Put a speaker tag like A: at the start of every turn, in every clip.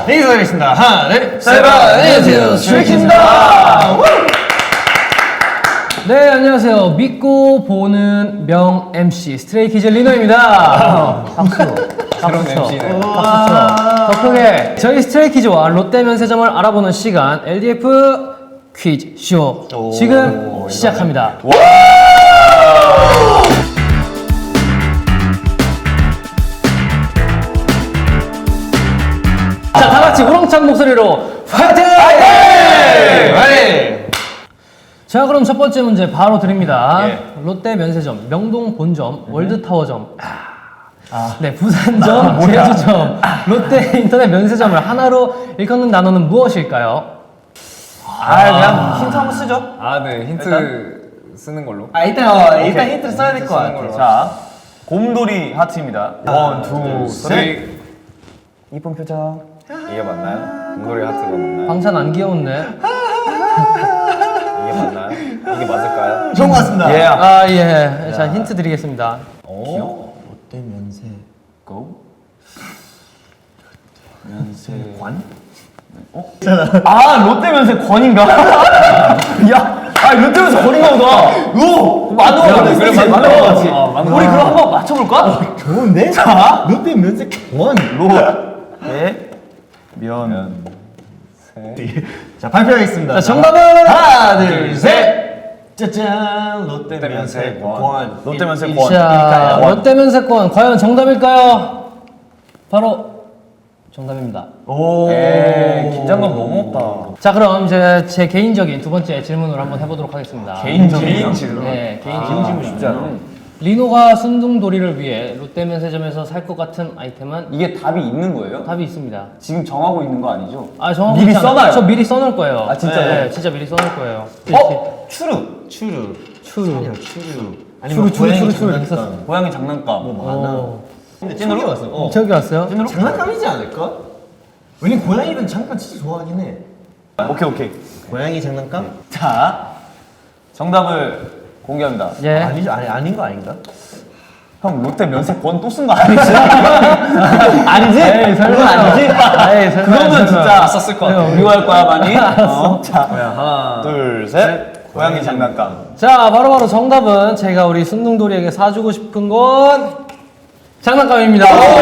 A: 인사드리겠습니다. 하나, 둘, 셋.
B: 안녕하세요, 스트레이키즈입니다.
C: 네, 안녕하세요. 믿고 보는 명 MC 스트레이키즈 리노입니다. 박수.
B: 그런 MC네.
C: 박수 쳐. 더 크게. 저희 스트레이키즈와 롯데 면세점을 알아보는 시간 LDF 퀴즈 쇼 지금 시작합니다. 자, 다 같이 우렁찬 목소리로 파이팅! 자, 그럼 첫 번째 문제 바로 드립니다. 롯데 면세점, 명동 본점, 월드타워점, 네, 부산점, 제주점, 롯데 인터넷 면세점을 하나로 일컫는 단어는 무엇일까요?
A: 그냥 힌트 한번 쓰죠.
B: 네, 힌트 쓰는 걸로.
A: 일단
B: 오케이.
A: 힌트를 써야 될 것
B: 쓰는
A: 같아요.
B: 걸로
A: 자, 곰돌이 하트입니다. 원, 투, 셋.
B: 이쁜 표정. 이게 맞나요? 공돌이 하트가 맞나요?
C: 방찬 안 귀여운데?
B: 이게 맞나요? 이게 맞을까요?
A: 좋은 것 같습니다.
C: 예. 자, 힌트 드리겠습니다.
A: 롯데 면세 고 면세관? 롯데 면세권인가? 롯데 면세권인가 보다. 맞는 거 같아.
B: 그래,
A: 맞는
B: 맞는
A: 거
B: 거
A: 같지.
B: 같아.
A: 우리 그럼 한번 맞춰볼까? 좋은데? 자, 롯데 면세권. 면. 자, 발표하겠습니다.
C: 자, 정답은?
A: 하나, 둘, 셋. 짜잔, 롯데 면세권. 롯데 면세권.
C: 자, 롯데 면세권 과연 정답일까요? 바로 정답입니다.
A: 긴장감 너무 없다.
C: 자, 그럼 이제 제 개인적인 두 번째 질문을 한번 해보도록 하겠습니다.
B: 개인 질문?
C: 네, 개인 질문.
B: 쉽지 않네.
C: 리노가 순둥돌이를 위해 롯데 면세점에서 살 것 같은 아이템은
D: 이게 답이 있는 거예요?
C: 답이 있습니다.
D: 지금 정하고 있는 거 아니죠?
C: 정확히
A: 미리
C: 있지 않아요.
A: 써놔요?
C: 저 미리 써놓을 거예요.
D: 진짜요?
C: 네, 진짜 미리 써놓을 거예요.
A: 추루.
C: 추루.
A: 아니면
C: 추루.
D: 고양이 장난감.
A: 근데 찐으로 왔어.
C: 저기 왔어요?
A: 장난감이지 않을까? 왜냐면 고양이는 장난감 진짜 좋아하긴 해.
D: 오케이.
A: 고양이 장난감?
D: 자, 정답을 공개합니다.
C: 예.
A: 아니죠, 아닌 거 아닌가?
D: 형 롯데 면세권 또 쓴 거 아니지?
A: 아니지?
C: 에이, 설마.
A: 아니지?
C: 에이, 설마.
D: 그러면 진짜
B: 썼을 것 같아.
D: 미워할 거야 많이. 자,
B: 하나,
D: 둘, 셋. 고양이 장난감.
C: 자, 바로 정답은 제가 우리 순둥돌이에게 사주고 싶은 건 장난감입니다.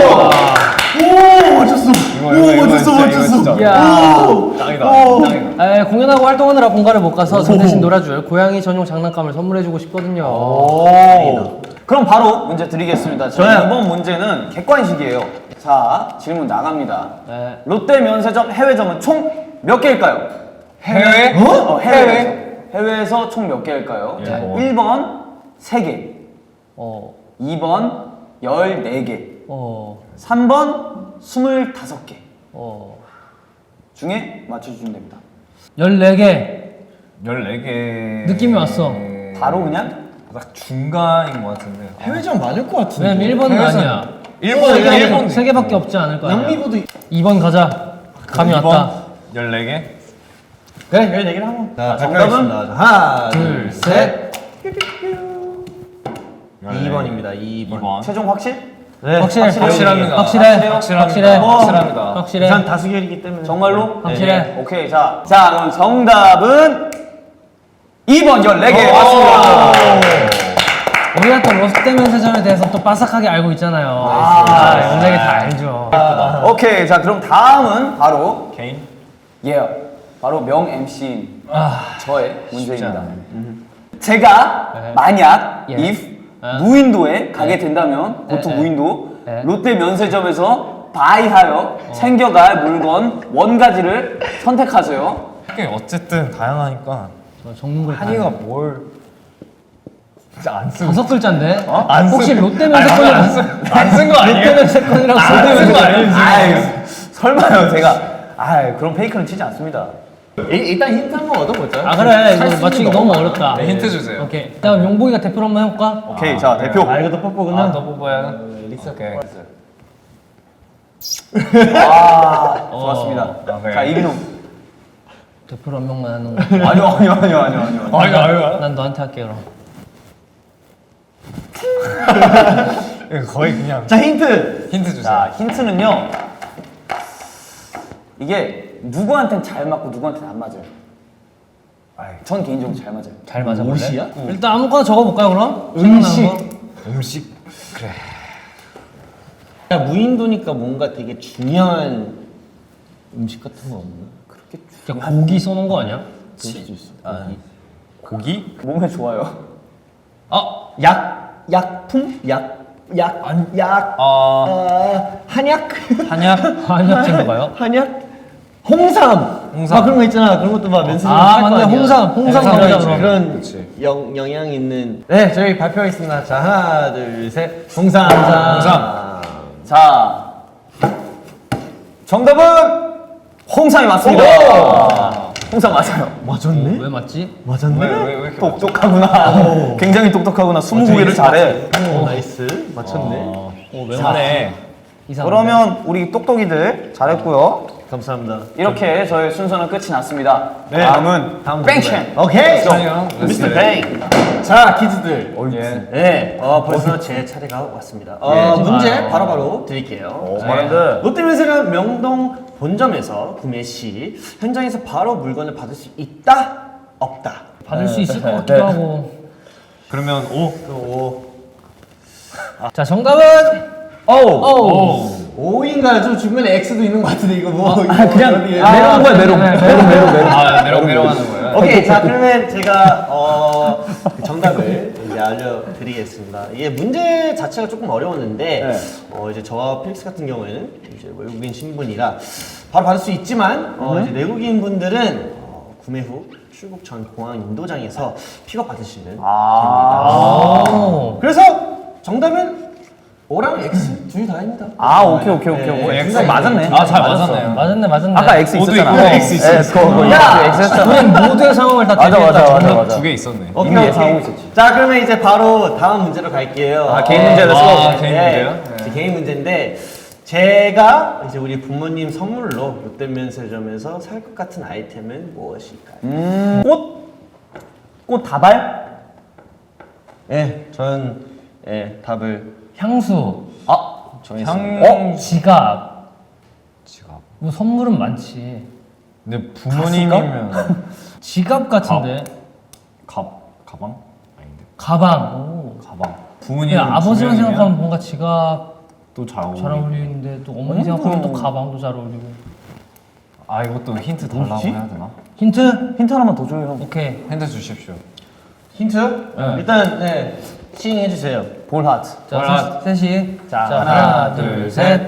A: 오, 맞췄어.
B: 맞췄어.
C: 이야.
B: 짱이다.
C: 공연하고 활동하느라 본가를 못 가서 저 대신 놀아줄 고양이 전용 장난감을 선물해주고 싶거든요.
D: 그럼 바로 문제 드리겠습니다. 저희 이번 문제는 객관식이에요. 자, 질문 나갑니다.
C: 네.
D: 롯데 면세점 해외점은 총 몇 개일까요?
B: 해외?
D: 해외에서 총 몇 개일까요? 자, 1번 3개,
C: 어,
D: 2번 14개,
C: 어,
D: 3번 25개 중에 맞춰주시면 됩니다.
C: 14개.
B: 14개.
C: 느낌이 왔어.
D: 바로 그냥
B: 딱 중간인 것 같은데.
A: 해외점 많을 것 같은데.
C: 왜냐면 1번은
B: 해외에서-
C: 아니야.
B: 1번.
C: 3개밖에 없지 않을 거야.
A: 양미보도
C: 2번 가자. 감이 왔다.
B: 14개?
A: 그래, 14개를 한번. 자,
D: 정답은?
A: 발표하겠습니다. 하나,
C: 둘,
A: 셋.
B: 14개.
A: 2번입니다. 2번.
D: 최종 확실?
A: 네,
B: 확실합니다.
C: 확실해.
B: 확실합니다.
C: 확실해.
A: 전 다수결이기 때문에.
D: 정말로?
C: 확실해.
D: 네. 오케이, 자, 그럼 정답은 2번 14개 맞습니다.
C: 우리가 또 롯데 면세점에 대해서 또 빠삭하게 알고 있잖아요. 14개 다 알죠.
D: 오케이, 자 그럼 다음은 바로
B: 개인?
D: 바로 명 MC인 저의 문제입니다.
B: 않네.
D: 제가
C: 네.
D: 만약
C: 예.
D: if 무인도에 가게 된다면
C: 네,
D: 고토
C: 네.
D: 무인도
C: 네.
D: 롯데 면세점에서 바이하여 챙겨갈 물건 원가지를 선택하세요.
B: 이게 어쨌든 다양하니까
C: 적는 걸
B: 한이가 뭘 진짜 안 쓰고
C: 5글자인데?
B: 안
C: 혹시
B: 쓰고.
C: 롯데
B: 아니,
C: 면세권이
B: 안쓴 거 아니에요?
C: 롯데 면세권이라고
B: 안 쓴 거 아니에요?
D: 아이, 설마요 제가 그런 페이크는 치지 않습니다.
A: 일단 힌트 한번 얻어보자.
C: 그래. 이거 맞추기 너무 어렵다.
B: 네, 힌트 주세요.
C: 오케이. 자, 그럼 용복이가 대표로 한번 해볼까?
D: 오케이, 자 대표.
A: 이것도 뽀뽀구나.
B: 더 뽑아야
A: 리사.
B: 오케이.
D: 좋았습니다.
B: 오케이.
D: 자 이민호.
C: 대표로 한 명만 하는 거.
D: 아니요.
C: 난 너한테 할게 그럼.
B: 이거 거의 그냥
A: 자, 힌트.
B: 힌트 주세요.
D: 자 힌트는요. 이게 누구한텐 잘 맞고 누구한테는 안 맞아요. 전 개인적으로 잘 맞아요.
C: 잘 맞아 볼래?
A: 옷이야?
C: 일단 아무거나 적어볼까요 그럼?
A: 음식.
C: 생각나는 거?
B: 음식 그래.
A: 야, 무인도니까 뭔가 되게 중요한 음식 같은 거 없나?
C: 그냥 고기 써놓은 거 아니야?
A: 그럴 수도 있어.
B: 고기?
D: 몸에 좋아요.
A: 약품? 한약?
C: 한약재인가요?
A: 한약? 홍삼. 막 그런 거 있잖아. 그런 것도 막 면세점
C: 맞네. 홍삼 들어가자 그럼.
A: 그런
B: 그치.
A: 영향 있는. 네, 저희 발표하겠습니다. 자, 하나, 둘, 셋. 홍삼.
D: 자, 정답은 홍삼이 맞습니다. 홍삼 맞아요.
A: 맞았네?
C: 왜 맞지?
A: 맞았네?
B: 왜 이렇게
D: 똑똑하구나. 굉장히 똑똑하구나. 20개를 잘해.
A: 오, 나이스. 맞췄네.
C: 왜
B: 맞네.
C: 이상한데?
D: 그러면 우리 똑똑이들 잘했고요.
A: 감사합니다.
D: 이렇게 저희 순서는 끝이 났습니다.
A: 네.
D: 다음은
A: 다음
D: 뱅첸.
A: 오케이.
B: 형,
A: 미스터 뱅. 자, 키즈들.
B: 예.
A: 네, 벌써 제 차례가 왔습니다.
D: 예.
A: 문제 바로바로 드릴게요.
D: 빠른데.
A: 롯데면세점 명동 본점에서 구매 시 현장에서 바로 물건을 받을 수 있다? 없다?
C: 받을 수 있을 것 같기도 하고.
B: 그러면 오.
C: 자 정답은
A: 오! 5인가요? 좀 주변에 X도 있는 것 같은데 이거 뭐
C: 그냥
A: 메롱 거야 메롱.
B: 메롱하는 거예요.
A: 오케이, 자 그러면 제가 그 정답을 이제 알려드리겠습니다. 이게 문제 자체가 조금 어려웠는데 이제 저와 필릭스 같은 경우에는 이제 외국인 신분이라 바로 받을 수 있지만 이제 내국인 분들은 구매 후 출국 전 공항 인도장에서 픽업 받으시면 됩니다. 그래서 정답은 O랑 X 둘 다입니다.
D: 오케이.
B: X 맞았네. 잘 맞았네요.
C: 맞았네.
D: 아까 X
B: 모두
D: 있었잖아.
B: 있고 X 있었어.
D: X 했잖아.
C: 우린 모두의 상황을 다
D: 맞아.
C: 대비했다.
B: 두 개 있었네.
A: 오케이,
D: 이미
A: 오케이.
D: 예상하고 있었지.
A: 자 그러면 이제 바로 다음 문제로 갈게요.
D: 개인 문제 렛츠고.
B: 개인 문제요?
A: 이제 개인 문제인데 제가 이제 우리 부모님 선물로 롯데면세점에서 살 것 같은 아이템은 무엇일까요?
D: 꽃 다발?
A: 저는 답을
C: 향수,
B: 향
C: 지갑.
B: 지갑.
C: 뭐 선물은 많지.
B: 근데 부모님이면
C: 지갑 같은데.
B: 가방? 아닌데.
C: 가방.
B: 가방.
C: 오.
B: 부모님
C: 아버지만 생각하면 뭔가 지갑
B: 또잘
C: 잘 어울리는데 또 어머니 생각하면 또 가방도 잘 어울리고.
B: 이것도 힌트 달라고 해야 되나?
C: 힌트
D: 하나만 더 줘요, 형.
C: 오케이.
B: 힌트 주십시오.
A: 힌트? 일단 시행해 주세요.
D: 볼하트.
C: 자, 셋이. 자,
A: 하나, 둘, 셋.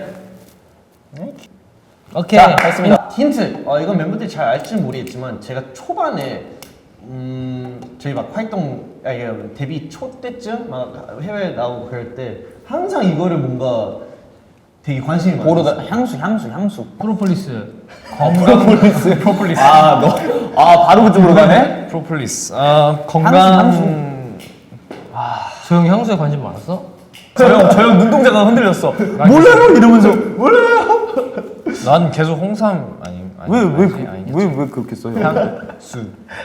C: 오케이.
D: 자, 됐습니다.
A: 힌트. 이건 멤버들이 잘 알지는 모르겠지만 제가 초반에 저희 막 활동 데뷔 초 때쯤 막 해외 나오고 그럴 때 항상 이거를 뭔가 되게 관심이 많았어요.
D: 보르다 향수.
C: 프로폴리스.
B: 프로폴리스.
D: 바로 그쪽으로 가네?
B: 프로폴리스. 건강.
C: 저 형 향수에 관심 많았어?
D: 저 형 눈동자가 흔들렸어. 몰라요 이러면서.
B: 난 계속 홍삼
D: 왜 그렇게 써요?
B: 향수.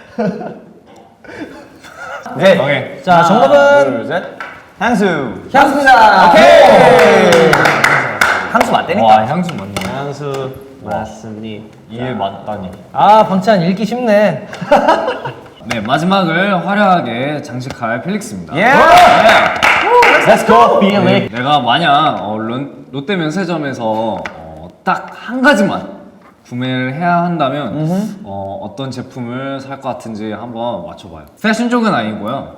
D: 오케이.
C: 자, 정답은
D: 둘, 셋. 향수.
A: 향수입니다.
D: 오케이. 향수 맞다니까.
B: 와 향수 맞네.
A: 향수 맞습니다.
B: 이해 맞다니.
C: 방찬 읽기 쉽네.
B: 네 마지막을 화려하게 장식할 필릭스입니다.
D: 예.
A: Let's go, Felix.
B: 내가 만약 롯데 면세점에서 딱 한 가지만 구매를 해야 한다면 어떤 제품을 살 것 같은지 한번 맞춰봐요. 패션 쪽은 아니고요.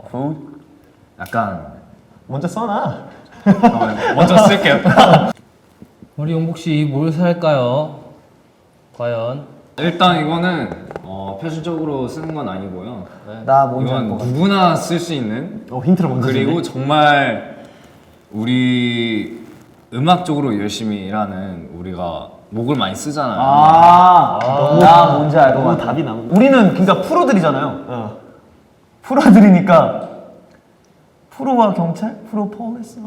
B: 약간
A: 먼저 써놔.
B: 잠깐만요. 먼저 쓸게요.
C: 우리 용복 씨 뭘 살까요? 과연?
B: 일단 이거는 패션적으로 쓰는 건 아니고요.
D: 나 뭔지 알
B: 이건
D: 것 같아.
B: 누구나 쓸 수 있는
A: 힌트를 먼저
B: 그리고 정말 우리 음악 쪽으로 열심히 일하는 우리가 목을 많이 쓰잖아요.
D: 나 뭔지 알 것 같아.
A: 답이 나온
D: 우리는 그러니까 프로들이잖아요. 프로들이니까 프로와 경찰? 프로 폴리스?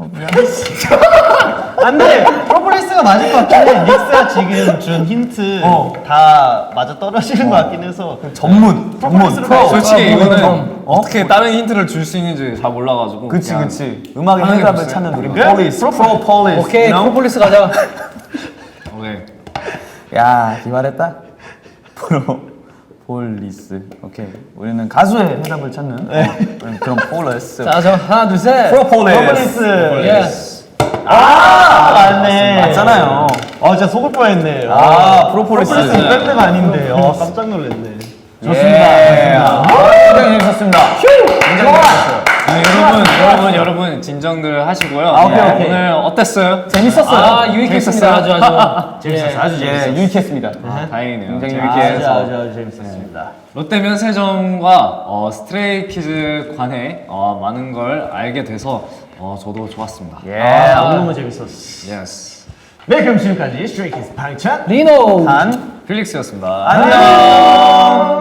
A: 안돼. 프로폴리스가 맞을 것 같긴 해. 닉스가 지금 준 힌트 다 맞아 떨어지는 것 같긴 해서
D: 전문.
B: 솔직히 이거는 어떻게 다른 힌트를 줄 수 있는지 잘 몰라가지고.
D: 그치
B: 그냥
D: 그치. 음악의
B: 하는 게
D: 해답을
B: 없어요.
D: 찾는 우리
A: 그래?
D: 폴리스. 프로 폴리스.
C: 오케이, 프로폴리스 가자.
B: 오케이.
D: 야, 기발했다. 프로폴리스. 오케이. 우리는 가수의 해답을 찾는 그런 폴리스.
C: 자, 저 하나, 둘, 셋.
D: 프로폴리스.
C: 예스.
A: 맞네.
D: 맞잖아요.
A: 진짜 속을 뻔했네.
D: 프로폴리스.
A: 밴드가 아닌데. 깜짝 놀랐네.
D: 좋습니다. 굉장히 재밌었습니다. 굉장히 재밌었어요.
B: 여러분 진정들 하시고요.
D: 오케이.
B: 오늘 어땠어요?
C: 재밌었어요. 유익했습니다. 아주.
A: 재밌었어요. 아주
D: 예,
A: 재밌었어요.
D: 유익했습니다.
B: 다행이네요.
D: 굉장히
B: 재밌게
D: 유익해서.
B: 해서.
A: 아주 재밌었습니다.
B: 롯데 면세점과 스트레이키즈 관해 많은 걸 알게 돼서 저도 좋았습니다.
A: 너무 재밌었어.
B: 예스.
A: 네, 그럼 지금까지 스트레이키즈 방찬
C: 리노.
D: 단
B: 필릭스였습니다.
D: 안녕.